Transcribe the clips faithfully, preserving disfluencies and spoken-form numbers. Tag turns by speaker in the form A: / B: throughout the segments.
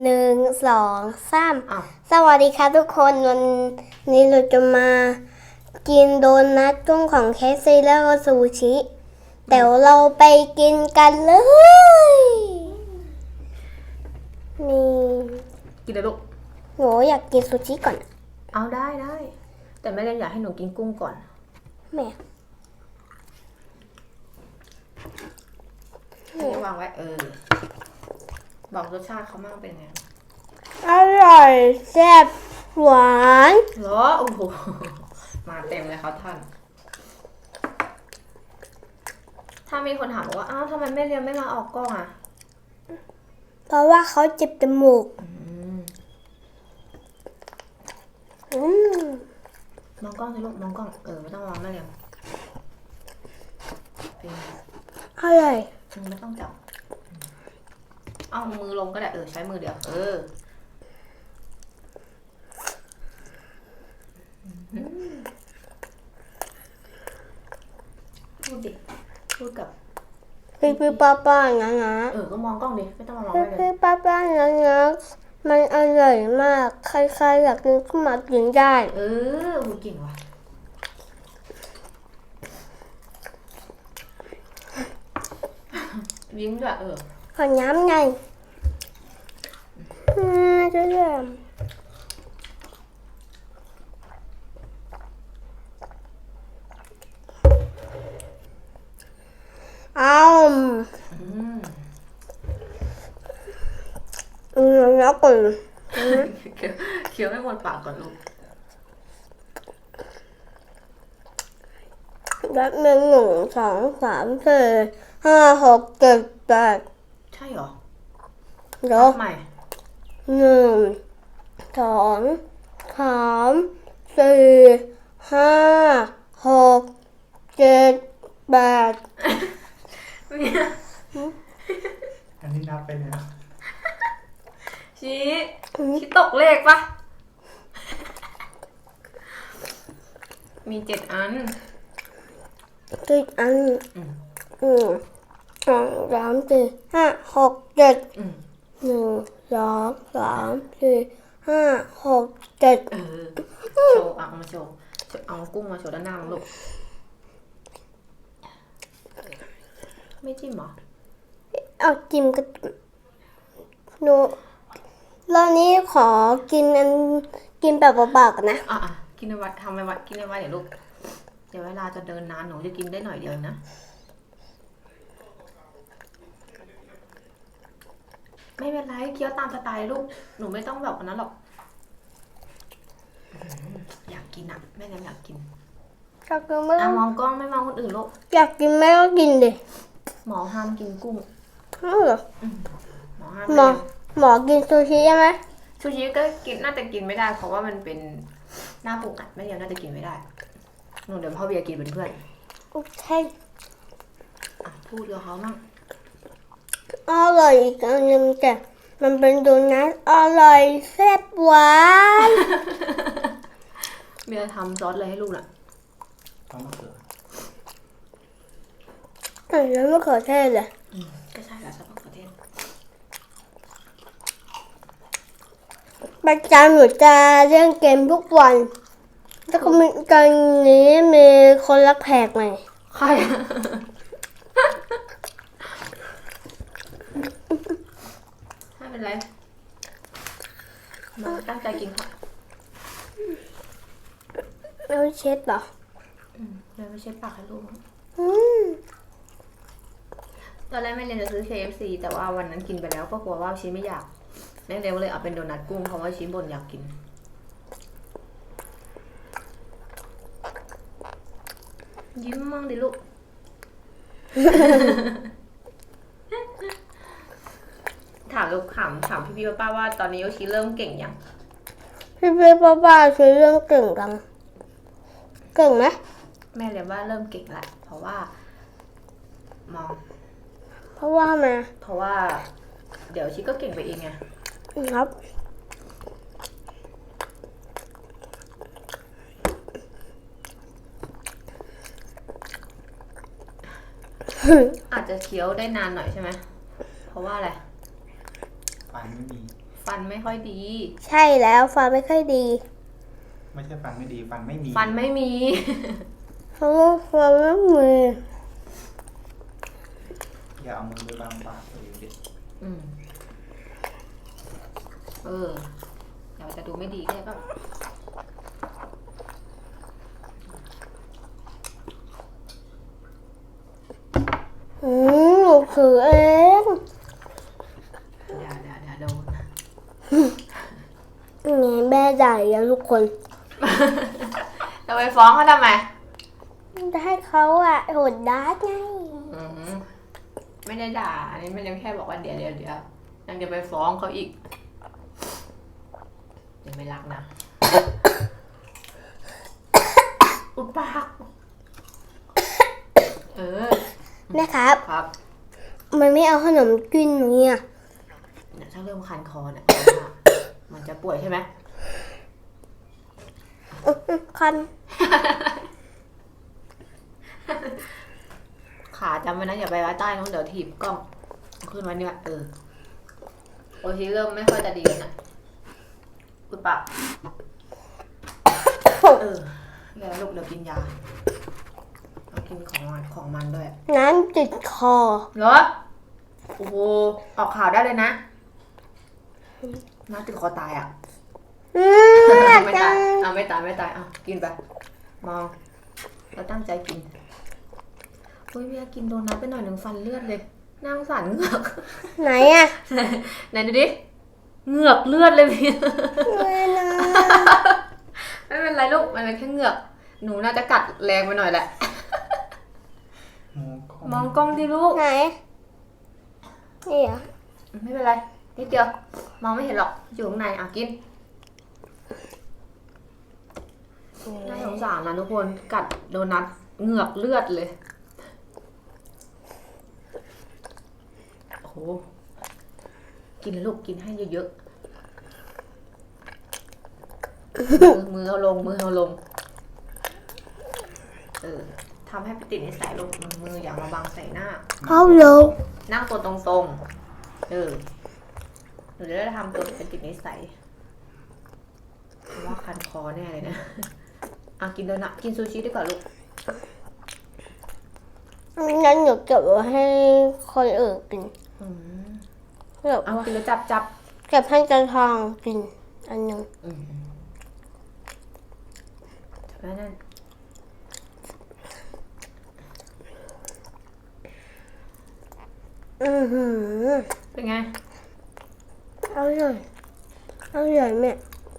A: หนึ่งสองสาม
B: อ้าว
A: สวัสดีครับทุกคนวันนี้เราจะมากินโดนัทกุ้งของเคฟซีแล้วก็ซูชิเดี๋ยวเราไปกินกันเลยนี่
B: กินเลยลูก
A: หนูอยากกินซูชิก่อน
B: เอาได้ได้ แต่แม่เรียนอยากให้หนูกินกุ้งก่อน
A: แม่
B: อันนี้วางไว้เออ บอกรสชาติเขามั่งเป็นไง
A: อร่อยแซ่บหวาน
B: เหรอโอ้โห มาเต็มเลยครับท่าน ถ้ามีคนถามบอกว่า อ้าวทำไมแม่เรียนไม่มาออกกล้องอ่ะ
A: เพราะว่าเขาเจ็บจมูก
B: อืม
A: อืม
B: มองกล้องสิลูกมองกล้อง เออไม่ต้องมองแม่เรียนเป็นไง
A: อร่อย
B: อืมไม่ต้องจับ เอามือลงก็ได้เออใช้มือเดียว เออ พูดดิ พูดกับ
A: พี่พี่ป้าป้านะนะ
B: เออ ก็มองกล้องดิ ไม่ต้องมามอง
A: พี่
B: ไม่เลย
A: พี่ป้าป้านะนะมันอร่อยมาก ใครๆอยากกินก็มากินได้
B: เออพูดเก่งว่ะ ยิ้มด้วยเออ
A: ขอน้ำไงอืมจะเริ่มเอา
B: อืม
A: อืมแล้วก่อน
B: เคี้ยวเคี้ยวให้หมดปากก่อนลูก
A: แบบหนึ่งหนึ่งสองสามสี่ห้าหกเจ็ดแปด
B: ใช่เหรอ
A: เดี๋ยว
B: ใหม่
A: หนึ่งสองสามสี่ห้าหกเจ็ดแปด
B: เนี่ย
C: อันนี้นับไปแล้ว
B: ชี้ชี้ตกเลขปะมีเจ็ดอัน
A: ติดอัน
B: อืม
A: หนึ่งสองสามสี่ห้าหกเจ็ด
B: อืม
A: หนึ่งสองสามสี่ห้าหกเจ็ด
B: เออ โชว์เอามาโชว์เอากุ้งมาโชว์ด้านหน้าลูก ไม่จิ้มเหรอ
A: เอาจิ้มกันหนูรอบนี้ขอกินอันกินแบบเบาๆกันนะ
B: อ่ะอ่ะกินในวัดทำในวัดกินในวัดเดี๋ยวลูก เดี๋ยวเวลาจะเดินนานหนูจะกินได้หน่อยเดียวนะ ไม่เป็นไรเคี้ยวตามสไตล์ลูก หนูไม่ต้องแบบนั้นหรอกอืมอยากกินอ่ะแม่ยังอยากกิน
A: อยากกินไม่
B: อ่ะ
A: ต้อง
B: มองกล้องไม่มองคนอื่นลูก
A: อยากกินไม่ก็กินดิ
B: หมอห้ามกินกุ้ง
A: เอาเหรอ
B: หมอห้าม
A: หมอหมอกินซูชิใช่ไหม
B: ซูชิก็กินน่าจะกินไม่ได้ เพราะว่ามันเป็นหน้าปรุงอ่ะแม่ยังน่าจะกินไม่ได้หนูเดี๋ยวพ่อเบียร์กินเป็นเพื่อน
A: โอเค
B: อ่ะพูดกับเขามั่ง
A: อร่อยอีกอันหนึงแต่มันเป็นโดนัทอร่อยแซ่บหวาน
B: เบียร์ทำซอสอะไรให้ลูกน่ะ
C: ต้องมะเขือ
A: อืมแล้วมะเขือเทศเลย
B: อืมก็ใช่แล้วซอสมะเขือเทศ
A: ประจำหนูจะเล่นเกมทุกวัน แล้วก็มีตอนนี้มีคนรักแขกใหม่
B: ใครไม่เป็นไรมาตั้งใจกินค่ะ
A: แล้วเช็ดเหรอ
B: อืมเดี๋ยวไม่ใช่ปากให้ลูก
A: อืม
B: ตอนแรกแม่เรียนจะซื้อ เค เอฟ ซี แต่ว่าวันนั้นกินไปแล้วก็กลัวว่าชีไม่อยากแม่เรียนก็เลยเอาเป็นโดนัทกุ้งเพราะว่าชีบ่นอยากกิน ยิ้มมั่งดิลูก ถามลูกถามถามพี่พี่ป้าว่าตอนนี้โยชิเริ่มเก่งยัง
A: พี่พี่ป้าป้าช่วยเรื่องเก่งจังเก่งไหม
B: แม่เรียนว่าเริ่มเก่งแล้วเพราะว่า มอง
A: เพราะว่ามา
B: เพราะว่า เดี๋ยวชิก็เก่งไปเองไง
A: ครับ
B: อาจจะเคี้ยวได้นานหน่อยใช่ไหมเพราะว่าอะไร
C: ฟันไม่มี
B: ฟฟันไม่ค่อยดี
A: ใช่แล้วฟันไม่ค่อยดี
C: ไม่ใช่ฟันไม่ดีฟันไม่มี
B: ฟันไม่มี
A: เพราะว่าฟันไม่มี
C: อย่าเอามือไปบังปากตัวเองดิ
B: อืมเออเดี๋ยวจะดูไม่ดีใช่ป่ะ
A: อืมหนูถือเอง
B: เดี๋ยวเดี๋ยวเดี๋ยวโดน
A: นี่แม่ใหญ่แล้วทุกคน
B: จะไปฟ้องเขาทำไม
A: จะให้เขาอะโหดด้าไง
B: อืมไม่ได้ด่าอันนี้มันยังแค่บอกว่าเดี๋ยวเดี๋ยวเดี๋ยวยังจะไปฟ้องเขาอีกเดี๋ยวไม่รักนะ อุดปากเออ
A: แม่ครับ
B: ครับ
A: มันไม่เอาขนมกินเนี่ย
B: เนี่ยถ้าเริ่มคันคอเนี่ย มันจะป่วยใช่ไหม
A: อื้ออื้อคัน
B: ขาจำไว้นะอย่าไปไว้ใต้น้องเดี๋ยวถีบกล้องเอาขึ้นไว้เนี่ยเออโอทีเริ่มไม่ค่อยจะดีแล้วนะอุดปากเออแล้วลูกเดี๋ยวกินยาเอากินของมันของมันด้วย
A: น้ำติดคอ
B: เหรอโอ้โหออกข่าวได้เลยนะน้าติดคอตายอ่ะ
A: อืม
B: ไม่
A: อยาก
B: ตา
A: จั
B: ย
A: ง
B: เอาไม่ตายไม่ตายเอากินไปมองแล้วตั้งใจกินเฮ้ยเมียกินโดนัทไปหน่อยหนึ่งฟันเลือดเลยน่าสงสารเหงือก
A: ไหนอะ
B: ไหนดูดิเหงือกเลือดเลยพี่
A: ไม่นะ
B: ไม่เป็นไรลูกมันเป็นแค่เหงือกหนูน่าจะกัดแรงไปหน่อยแหละ
C: มองกล้อง
B: มองกล้องดิลูก
A: ไหนนี่เหรอ
B: ไม่เป็นไรนิดเดียวมองไม่เห็นหรอกอยู่ข้างในอ่ะกินน่าสงสารนะทุกคนกัดโดนัทเหงือกเลือดเลยโอ้โหกินเลยลูกกินให้เยอะๆมือมือเอาลงมือเอาลงเออทำให้ไปติดนิสัยลูกมืออย่ามาบังใส่หน้า
A: เอาลง
B: นั่งตัวตรงๆเออหนูจะได้ทำตัวเป็นติดนิสัยเพราะว่าคันคอแน่เลยนะอ่ะกินโดนัทกินซูชิดีกว่าลูก
A: งั้นหนูเก็บไว้ให้คนอื่นกิน
B: อืม
A: เก็บ
B: เอา
A: ไว้
B: กินแล้วจับจับ
A: เก็บให้จันทองกินอันหนึง
B: อืมจับไว้นั่น
A: อือหือ
B: เป็นไง
A: เอาเลยเอาเลยแม่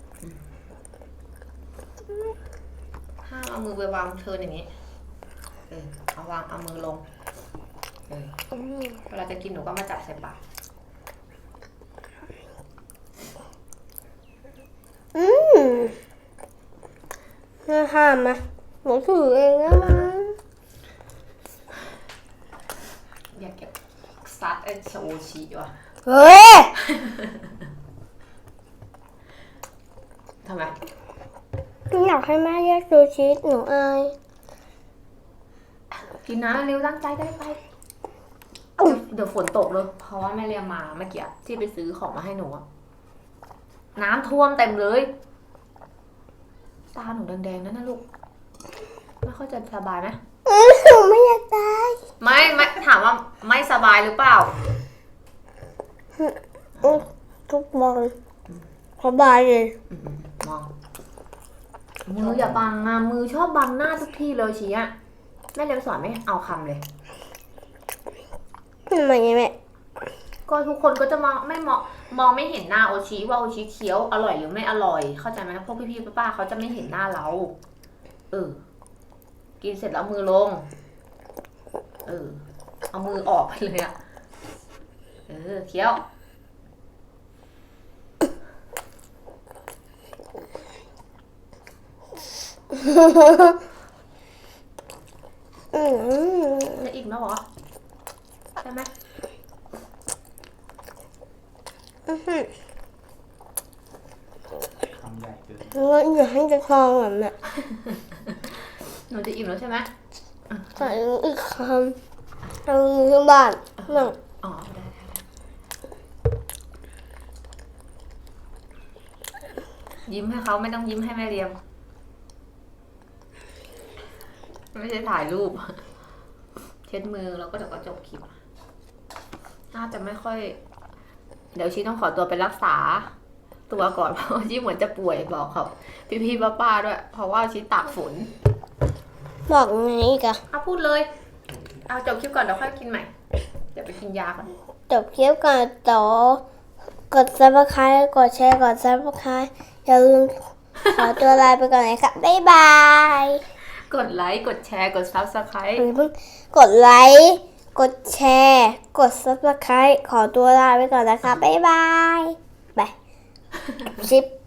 B: ห้ามเอามือไปวางเทินอย่างนี้เออเอาวางเอามือลงเออ
A: อืม
B: เวลาจะกินหนูก็มาจับใส่ปาก
A: อืมน่าห้ามนะหนูถือเองนะมั้ง
B: อยากเก็บซัดไอ้โซชิว่ะ
A: เฮ้ย
B: ทำไม
A: อยากให้แม่แยกซูชิหนูอาย
B: กินนะเร็วตั้งใจได้ไปเดี๋ยวเดี๋ยวฝนตกเลยเพราะว่าแม่เรียมมาเมื่อกี้ที่ไปซื้อของมาให้หนูอะน้ำท่วมเต็มเลยตาหนูแดงๆนั่นนะลูกไม่ค่อยจะสบายไหม
A: อือหนูไม่อยากตาย
B: ไม่ไม่ถามว่าไม่สบายหรือเปล่า
A: อือทุกวันสบายเลย
B: อืมๆมองมืออย่าบังอะมือชอบบังหน้าทุกทีเลยชี้อะแม่เรียมสอนไม่เอาคำเลย
A: ทำไมแม่
B: ก็ทุกคนก็จะมองไม่มองมองไม่เห็นหน้าโอชิว่าโอชิเคี้ยวอร่อยหรือไม่อร่อย เข้าใจไหมพวกพี่ๆป้าๆเขาจะไม่เห็นหน้าเรา เออ กินเสร็จแล้วมือลง เออ เอามือออกไปเลยอะเออเคี้ยว
A: อืม
B: จะอีกแล้วเหรอใช่ไหม
A: อื้อหือ
C: คำใหญ่เกิน
A: งั้นอย่าให้จะทองเหมือนแม่
B: หนูจะอิ่มแล้วใช่ไหม
A: ใส่อีกคำเอาที่บ้านนั่ง
B: อ๋อได้ได้ได้ยิ้มให้เขาไม่ต้องยิ้มให้แม่เรียม ไม่ใช่ถ่ายรูป เช็ดมือแล้วก็เดี๋ยวก็จบคลิป น่าจะไม่ค่อย เดี๋ยวชีต้องขอตัวไปรักษา ตัวก่อน เพราะว่าชีเหมือนจะป่วยบอกเขาพี่ๆป้าๆด้วย เพราะว่าชีตากฝน
A: บอกไงอีกอะ
B: เอาพูดเลย เอาจบคลิปก่อนเดี๋ยวค่อยกินใหม่ เดี๋ยวไปกินยาก่อน
A: จบคลิปก่อนต่อกดซับสไครต์กดแชร์กดซับสไครต์อย่าลืมขอตัวลาไปก่อนนะครับบ๊ายบาย
B: กดไลค์ กดแชร์ กด Subscribe
A: อย่าเพิ่งกดไลค์กดแชร์กดซับสไครต์ขอตัวลาไปก่อนนะครับบ๊ายบายบายชิป